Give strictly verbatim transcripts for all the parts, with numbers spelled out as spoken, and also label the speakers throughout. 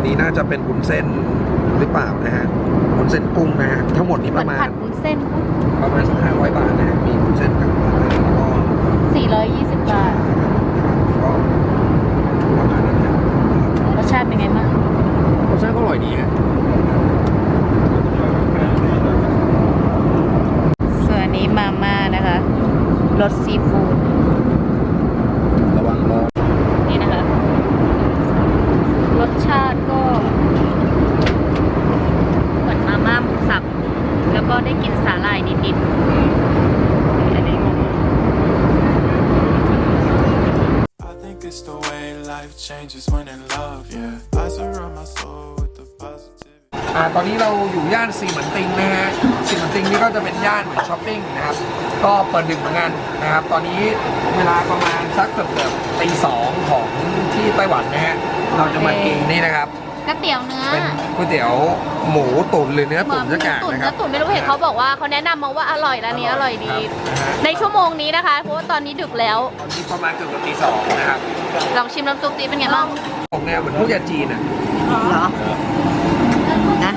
Speaker 1: นนี้น่าจะเป็นวุ้นเส้นหรือเปล่านะฮะวุ้นเส้นกุ้งนะฮะทั้งหมดนี้ประมาณ
Speaker 2: ผัดวุ้นเส้น
Speaker 1: ประมาณสักห้าร้อยบาทนะฮะมีวุ้นเส้นกับปลาแล้วก็
Speaker 2: สี่ร้อยยี่สิบบาท
Speaker 1: ก็ประมาณนั้นนะ
Speaker 2: รสชาติเป็นไงบ้าง
Speaker 1: รสชาติก็อร่อยดีฮะ
Speaker 2: ส่วนอันนี้มาม่านะคะรสซีฟู้ด
Speaker 1: ระวังร้อน
Speaker 2: นี่นะคะรสชาติก็เหมือนมาม่าหมูสับแล้วก็ได้กินสาหร่ายนิดๆอันนี้
Speaker 3: It's the way life changes when in love, yeah. I surround my soul with the positivity.
Speaker 1: อ่าตอนนี้เราอยู่ย่านซีเหมือนติงนะฮะซีเหมือนติงนี่ก็จะเป็นย่านเหมือนช้อปปิ้งนะครับก็เปิดดึกเหมือนกันนะครับตอนนี้เวลาประมาณสักเกือบเกือบตีสองของที่ไต้หวันนะฮะเราจะมากินนี่นะครับ
Speaker 2: ก๋วยเตี๋ยวเนื้อ
Speaker 1: เป็นก๋วยเตี๋ยวหมูตุ๋นหรือเนื้อตุ๋นสักอย่างนะครับ
Speaker 2: เนื้อตุ๋นไม่รู้เห็นเขาบอกว่าเขาแนะนำมาว่าอร่อยร้านนี้อร่อยดีในชั่วโมงนี้นะคะเพราะว่าตอนนี้ดึกแล้ว
Speaker 1: ตอนนี้ประมาณเกือบเกือบตีสองนะครับ
Speaker 2: ลองชิมน้ำซุปตีเป็นไงบ้าง
Speaker 1: ของแนวเหมือนพวกยาจีนอ่ะ
Speaker 2: เหรอนะ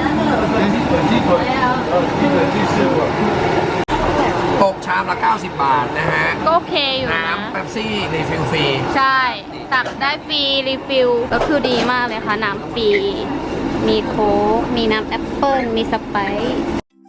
Speaker 1: ตกชามละเก้าสิบบาทนะฮะ
Speaker 2: ก็โอเคอยู่นะ
Speaker 1: น้ำเป๊ปซี่รีฟิลฟรี
Speaker 2: ใช่ตักได้ฟรีรีฟิลก็คือดีมากเลยค่ะน้ำฟรีมีโค้กมีน้ำแอปเปิ้ลมีสไปซ์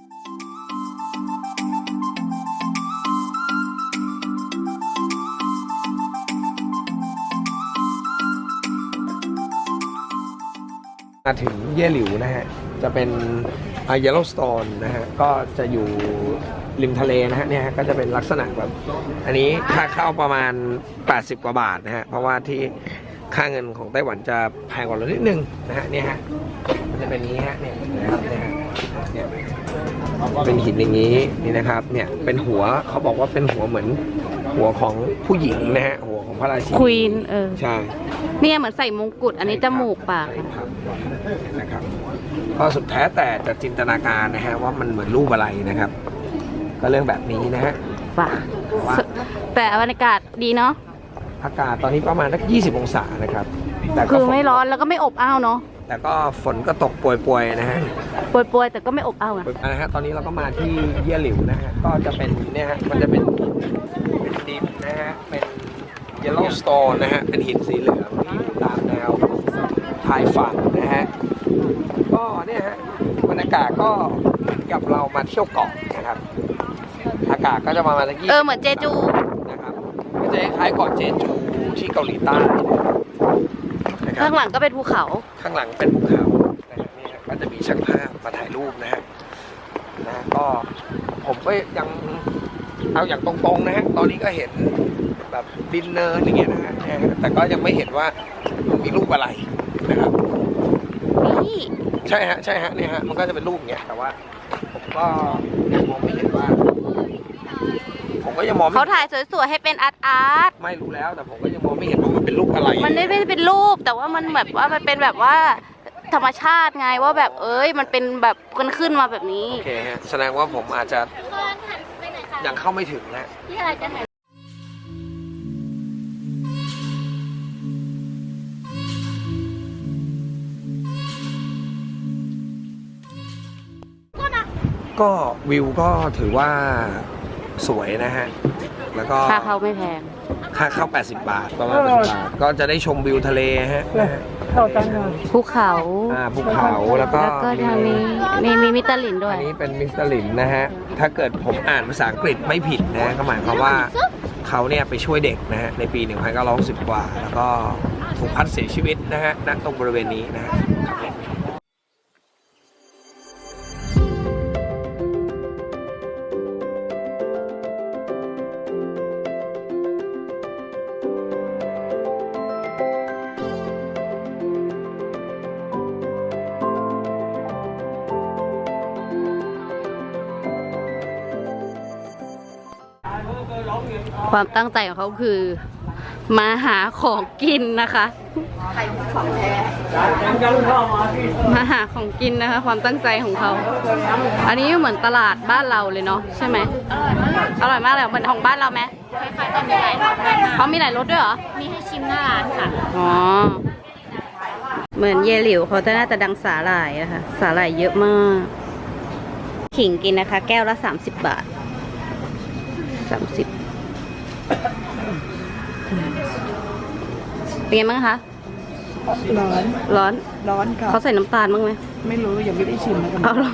Speaker 1: มาถึงเย่หลิวนะฮะจะเป็นเยลโลสโตนนะฮะก็จะอยู่ริมทะเลนะฮะเนี่ยก็จะเป็นลักษณะแบบอันนี้ค่าเข้าประมาณแปดสิบกว่าบาทนะฮะเพราะว่าที่ค่าเงินของไต้หวันจะแพงกว่าเรานิดนึงนะฮะเนี่ยฮะมันจะเป็นนี้ฮะเนี่ยนะครับเนี่ยเนี่ยเป็นหินอย่างนี้นี่นะครับเนี่ยเป็นหัวเขาบอกว่าเป็นหัวเหมือนหัวของผู้หญิงนะฮะหัวของพระราชินี
Speaker 2: ควีนเออ
Speaker 1: ใช่
Speaker 2: เนี่ยเหมือนใส่มงกุฎอันนี้จมูกปาก
Speaker 1: นะครับก็สุดแท้แต่จะจินตนาการนะฮะว่ามันเหมือนรูปอะไรนะครับก็เรื่องแบบนี้นะฮะ
Speaker 2: ป่ะแต่บรรยากาศดีเนาะ
Speaker 1: อากาศตอนนี้ประมาณสักยี่สิบองศานะครับ
Speaker 2: แต่คือไม่ร้อนแล้วก็ไม่อบอ้าวเนาะ
Speaker 1: แต่ก็ฝนก็ตกป่วยๆนะฮะ
Speaker 2: ป่วยๆแต่ก็ไม่อบอ้าว
Speaker 1: นะฮะตอนนี้เราก็มาที่เย่หลิวนะฮะก็จะเป็นเนี่ยฮะมันจะเป็นเป็นดินนะฮะเป็นเยลโลสโตนนะฮะเป็นหินสีเหลืองที่อยู่ตามแนวชายฝั่งนะฮะก็เนี่ยฮะบรรยากาศก็กับเรามาเที่ยวเกาะนะครับอากาศก็จะประมาณสักยี่สิบ
Speaker 2: เออเหมือนเจจู
Speaker 1: นะครับก็จะคล้ายเกาะเจจูที่เกาหลีใต้
Speaker 2: ข้างหลังก็เป็นภูเขา
Speaker 1: ข้างหลังเป็นภูเขานะฮะนี่ก็จะมีช่างภาพมาถ่ายรูปนะฮะนะก็ผมก็ยังเอาอย่างตรงๆนะฮะตอนนี้ก็เห็นแบบดินเนอร์อย่างเงี้ยนะฮะแต่ก็ยังไม่เห็นว่ามีรูปอะไรนะครับ
Speaker 2: นี่
Speaker 1: ใช่ฮะใช่ฮะเนี่ยฮะมันก็จะเป็นรูปอย่างเงี้ยแต่ว่าผมก็ยังมองไม่เห็นว่าผมก็ยังมอง
Speaker 2: เขาถ่ายสวยๆให้เป็นอาร์ตอาร์ต
Speaker 1: ไม่รู้แล้วแต่ผมก็ยังมองไม่เห็นว่ามันเป็นรูปอะไร
Speaker 2: มันไม่ได้เป็นรูปแต่ว่ามันแบบว่ามันเป็นแบบว่าธรรมชาติไงว่าแบบเอ้ยมันเป็นแบบกันขึ้นมาแบบนี้
Speaker 1: โอเคฮะแสดงว่าผมอาจจะยังเข้าไม่ถึงนะ
Speaker 2: ที่อะไรจะถ่าย
Speaker 1: ก็วิวก็ถือว่าสวยนะฮะแล้วก็
Speaker 2: ค่าเข้าไม่แพง
Speaker 1: ค่าเข้าแปดสิบบาทประมาณแปดสิบบาทก็จะได้ชมวิวทะเลฮะ
Speaker 2: ภูเขา
Speaker 1: อ่าภูเขาแล้วก็
Speaker 2: แล้วก็ทางนี้มีมีมิสเตอร์ลินด้วย
Speaker 1: อันนี้เป็นมิสเตอร์ลินนะฮะถ้าเกิดผมอ่านภาษาอังกฤษไม่ผิดนะก็หมายความว่าเขาเนี่ยไปช่วยเด็กนะฮะในปีหนึ่งพันเก้าร้อยหกสิบกว่าแล้วก็ถูกพัดเสียชีวิตนะฮะณตรงบริเวณนี้นะฮะ
Speaker 2: ความตั้งใจของเขาคือมาหาของกินนะคะมาหาของกินนะคะความตั้งใจของเขาอันนี้เหมือนตลาดบ้านเราเลยเนาะใช่ไหมอร่อยมากเลยเหมือนของบ้านเราไหมคล้ายๆกันมีหลายรสเขามีหลายรสด้วยเหรอมีให้ชิมหน้าร้านค่ะอ๋อเหมือนเยหลิวเขาจะน่าจะดังสาหร่ายนะคะสาหร่ายเยอะมาก ขิงกินนะคะ แก้วละสามสิบบาทสามสิบเป็นไงบ้างคะ
Speaker 4: ร้อน
Speaker 2: ร้อน
Speaker 4: ร้อนค่ะ
Speaker 2: เขาใส่น้ำตาลบ้างไหม
Speaker 4: ไม่รู้ยังไม่ได้ชิมนะกัน
Speaker 2: เอาหรอ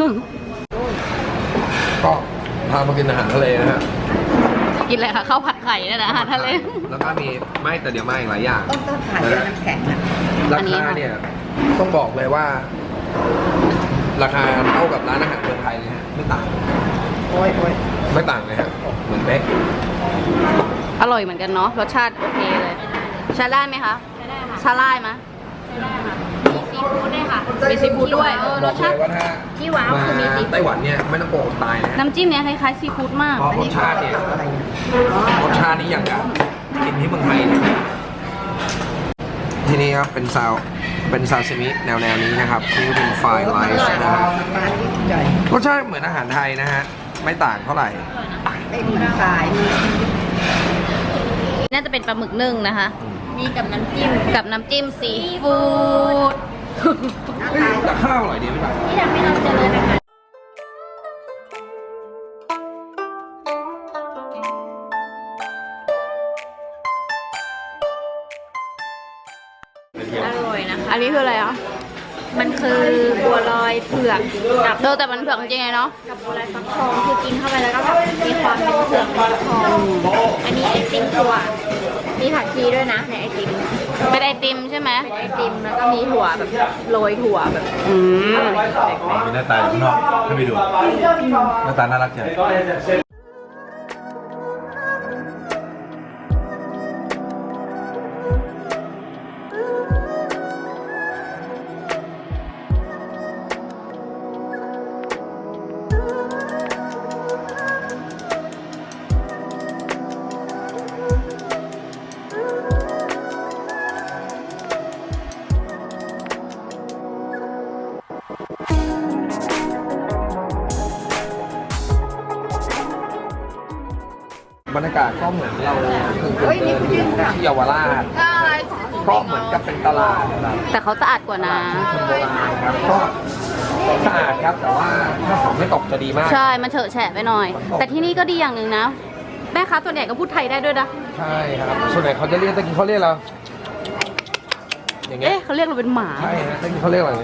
Speaker 1: ก็พามากินอาหารทะเลนะฮะ
Speaker 2: กินอะไรคะข้าวผัดไข่เนี่ยนะอาหารทะเล
Speaker 1: แล้วก็มีไม่แต่เดี๋ยวมาอีกหลายอย่าง
Speaker 4: ต้องต้องถ่ายด้วยน้ำแข็งนะ
Speaker 1: รา
Speaker 2: อันนี้
Speaker 1: คา
Speaker 2: ค่ะ
Speaker 1: เนี่ยต้องบอกเลยว่า ราคาเท่ากับร้านอาหารเมืองไทยเลยฮะไม่ต่าง
Speaker 4: โอ้ยโอ้ย
Speaker 1: ไม่ต่างเลยฮะเหมือนเป๊ก
Speaker 2: อร่อยเหมือนกันเนาะรสชาติโอเคเลยใช้ได้ไหมคะใช้ได้ค่ะใช้ได้ไหมมีซีฟู้ดด้วยค่ะมีซีฟู้ดด้วยเออ
Speaker 1: บ
Speaker 2: ร
Speaker 1: อ
Speaker 2: ส
Speaker 1: ก
Speaker 2: ชา
Speaker 1: เล
Speaker 2: ติ
Speaker 1: ยว่าถ้า
Speaker 2: ที่ว้าวคือมีซีฟู้ด
Speaker 1: ไต้หวันเนี่ยไม่ต้องโกงตายนะฮะ
Speaker 2: น้ำจิ้มเนี้ยคล้ายๆซีฟู้ดมาก
Speaker 1: เพราะรสชาติเนี่ยรสชาตินี้อย่างกับกินที่เมืองไทยเลยที่นี่ครับเป็นซาวเป็นซาซิมิแนวแนวนี้นะครับนี่เป็นไฟไลท์นะฮะ
Speaker 4: ปลาที่ใหญ่
Speaker 1: รสชาติเหมือนอาหารไทยนะฮะไม่ต่างเท่าไหร่
Speaker 4: ไม่มีสาย
Speaker 2: น่าจะเป็นปลาหมึกนึ่งนะคะ มีกับน้ำจิ้มกับน้ำจิ้มซีฟู้ด
Speaker 1: เฮ้ยแต่ข้าวอร่อยดีไม่ต่าง
Speaker 2: ที่ทำให้เราเจริญอาหาร
Speaker 5: อร่อยนะคะ
Speaker 2: อันนี้คืออะไรอ่ะ
Speaker 5: มันคือบัวลอยเผือกกับ
Speaker 2: เออแต่มันเผือกจริงๆไงเนาะ
Speaker 5: กับบัวลอยฟักทองคือกินเข้าไปแล้วก็แบบมีความเป็นเผือกฟักทองอันนี้ไอติมถั่วมีผักชีด้วยนะในไอติม
Speaker 2: เป็นไอติมใช่ไหม
Speaker 5: เป็นไอติมแล้วก็มีถั่วแบบโรยถั่วแบบ
Speaker 2: อืม
Speaker 6: มีหน้าตาอยู่ข้างนอกให้ไปดู หน้าตาน่ารักจัง
Speaker 1: บรรยากาศก็เหมือนเราคือเดินอยู่ที่เยาวราชก็เหมือนกับเป็นตลาดแบบ
Speaker 2: แต่เขาสะอาดกว่านะ
Speaker 1: คนโบราณครับก็สะอาดครับแต่ว่าถ้าฝนไม่ตกจะดีมาก
Speaker 2: ใช่ มันเฉอะแฉะไปหน่อย แต่ที่นี่ก็ดีอย่างหนึ่งนะ แม่ค้าส่วนใหญ่ก็พูดไทยได้ด้วยนะ
Speaker 1: ใช่ครับส่วนใหญ่เขาจะเรียกตะกี้เขาเรียกเราอย่างเงี้ย
Speaker 2: เอ๊ะเขาเรียกเราเป็นหมา
Speaker 1: ใช่ฮะตะกี้เขาเรียกอะไร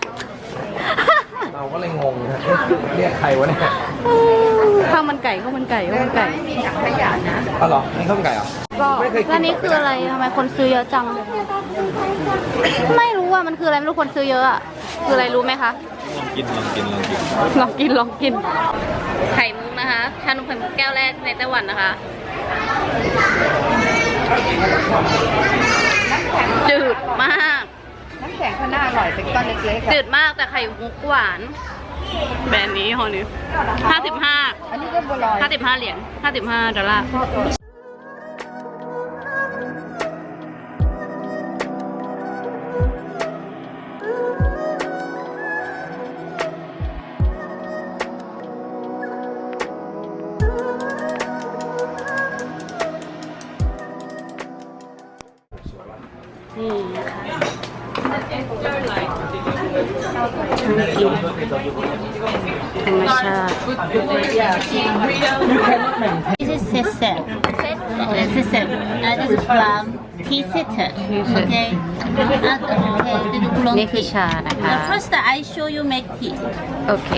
Speaker 1: เราก็เลยงงฮะเรียกใครวะเนี่ย
Speaker 2: ข้าวมันไก่ข้าวมันไก่ข้าวมันไก่
Speaker 4: มีถังขยะนะ
Speaker 1: อ๋อเหรอนี่ข้าวมันไก่เหรอ
Speaker 2: ก็
Speaker 1: ไม่เคยกิน
Speaker 2: แล้วนี่คืออะไรทำไมคนซื้อเยอะจัง ไม่รู้ว่ามันคืออะไรไม่รู้คนซื้อเยอะอะคืออะไรรู้ไหมคะ
Speaker 6: กินลองกินลองกิน
Speaker 2: ลองกินลองกิน ไข่มุกนะคะชานมไข่มุกแก้วแรกในไต้หวันนะคะ จืดมาก
Speaker 4: น้ำแข็งข้างหน้าอร่อยเป็นก้อนเล็กๆ
Speaker 2: จื
Speaker 4: อะ
Speaker 2: ดมากแต่ไข่มุกหวาน แบรนด์นี้ฮอนี้ห้าสิบห้า
Speaker 4: อันนี้ก็บัวลอย
Speaker 2: ห้าสิบห้าเหรียญห้าสิบห้าดอลลาร์ นี่นะคะน่ากินธรรมชาติ
Speaker 7: This is sesame. Uh, sesame. Uh, this is plum. Tea sitter. Okay. Uh, okay. This is oolong
Speaker 2: นี่คือ
Speaker 7: tea.
Speaker 2: ชานะคะ
Speaker 7: Uh, first, I show you make tea.
Speaker 2: โอเค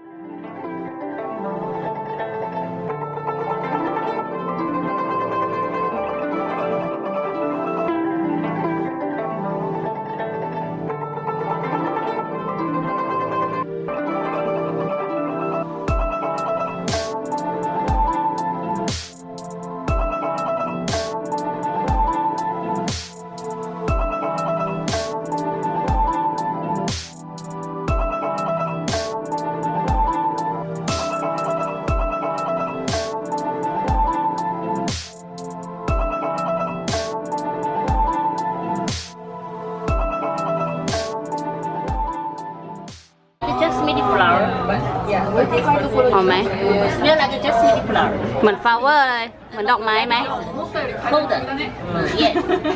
Speaker 7: It's just mini flour.
Speaker 2: หอมไหม
Speaker 7: Smell like just mini flour.
Speaker 2: เหมือนฟลาวเวอร์เลย
Speaker 7: Uh,
Speaker 2: เหมือนดอกไม้ไหม
Speaker 7: Golden. Yes.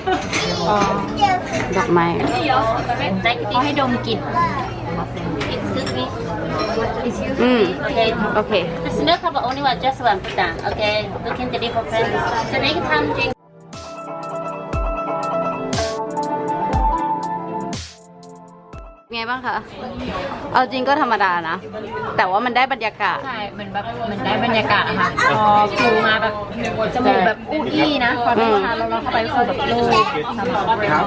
Speaker 2: ดอกไม้
Speaker 7: Like
Speaker 5: เขาให้ดมกลิ่น
Speaker 7: excuse me.
Speaker 2: อืม
Speaker 7: Okay.
Speaker 2: โอเค
Speaker 7: The snack have only one, just one put down. Okay. Looking the different friends. So next time drink.
Speaker 2: ไงบ้างคะ เอาจริงก็ธรรมดานะ แต่ว่ามันได้บรรยากาศ
Speaker 5: ใช่เหมือนแบบเหมือนได้บรรยากาศอะค่ะพอฟิวมาแบบจมูกแบบอู้อี้นะพอได้ทานเราเราเข้าไปก็คือแบบโล่ง
Speaker 1: ครับ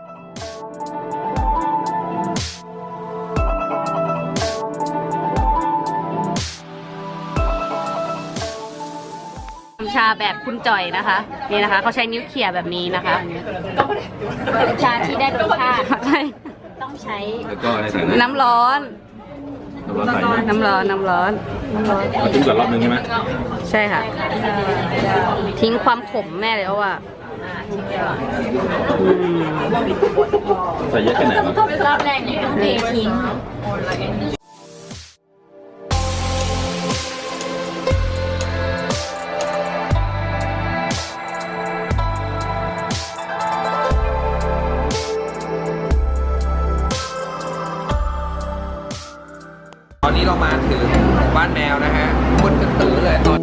Speaker 2: ชาแบบคุณจ่อยนะคะ นี่นะคะเขาใช้นิ้วเขี่ยแบบนี้นะคะ
Speaker 5: ชาที่ได้รสชาติ
Speaker 2: ใช่
Speaker 5: ต้องใช้
Speaker 6: แล้วก็ในใส่น้
Speaker 2: น้ำร้อน
Speaker 6: ำเราใส่ไหม
Speaker 2: น้ำร้อน น้ำร้อน
Speaker 6: เราทิ้งก่อนรอบนึงใช่ไหม
Speaker 2: ใช่ค่ะ ทิ้งความขมแม่เลยว่า
Speaker 6: ใส่เยอะแค่ไหนวะ
Speaker 5: รอบแรกเนี่ยต้องเททิ้ง
Speaker 1: ตอนนี้เรามาถึงบ้านแมวนะฮะมืดกันตื้อเลยตอน